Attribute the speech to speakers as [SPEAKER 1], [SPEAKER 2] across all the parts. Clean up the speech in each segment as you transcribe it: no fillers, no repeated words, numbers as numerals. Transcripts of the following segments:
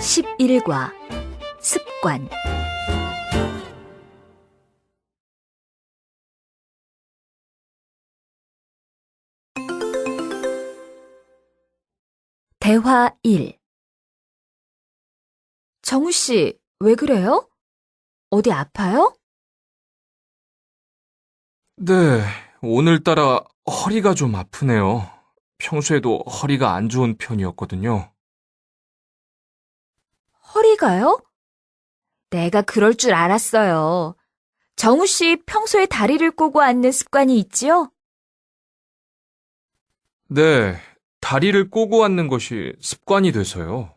[SPEAKER 1] 11과 습관. 대화 1. 정우 씨, 왜 그래요? 어디 아파요?
[SPEAKER 2] 네, 오늘따라 허리가 좀 아프네요. 평소에도 허리가 안 좋은 편이었거든요.
[SPEAKER 1] 허리가요? 내가 그럴 줄 알았어요. 정우 씨 평소에 다리를 꼬고 앉는 습관이 있지요?
[SPEAKER 2] 네, 다리를 꼬고 앉는 것이 습관이 돼서요.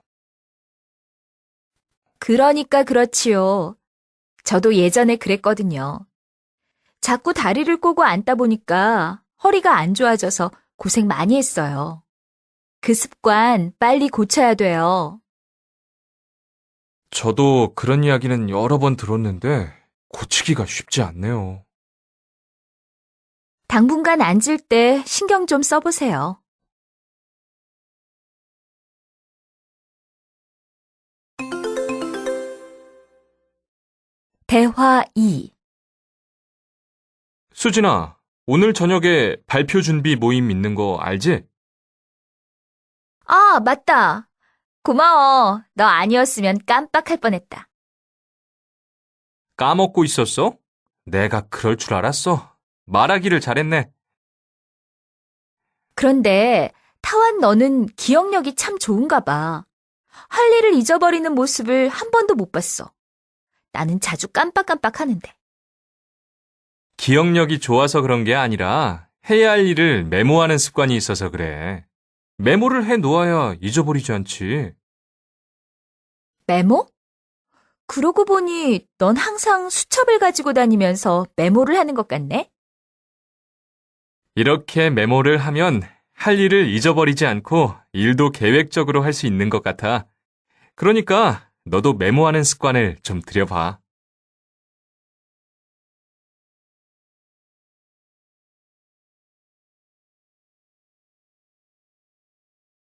[SPEAKER 1] 그러니까 그렇지요. 저도 예전에 그랬거든요. 자꾸 다리를 꼬고 앉다 보니까 허리가 안 좋아져서 고생 많이 했어요. 그 습관 빨리 고쳐야 돼요.
[SPEAKER 2] 저도 그런 이야기는 여러 번 들었는데 고치기가 쉽지 않네요.
[SPEAKER 1] 당분간 앉을 때 신경 좀 써보세요. 대화 2.
[SPEAKER 2] 수진아, 오늘 저녁에 발표 준비 모임 있는 거 알지?
[SPEAKER 1] 아, 맞다. 고마워. 너 아니었으면 깜빡할 뻔했다.
[SPEAKER 2] 까먹고 있었어? 내가 그럴 줄 알았어. 말하기를 잘했네.
[SPEAKER 1] 그런데 타완 너는 기억력이 참 좋은가 봐. 할 일을 잊어버리는 모습을 한 번도 못 봤어. 나는 자주 깜빡깜빡 하는데.
[SPEAKER 2] 기억력이 좋아서 그런 게 아니라 해야 할 일을 메모하는 습관이 있어서 그래. 메모를 해 놓아야 잊어버리지 않지.
[SPEAKER 1] 메모? 그러고 보니 넌 항상 수첩을 가지고 다니면서 메모를 하는 것 같네?
[SPEAKER 2] 이렇게 메모를 하면 할 일을 잊어버리지 않고 일도 계획적으로 할 수 있는 것 같아. 그러니까 너도 메모하는 습관을 좀 들여봐.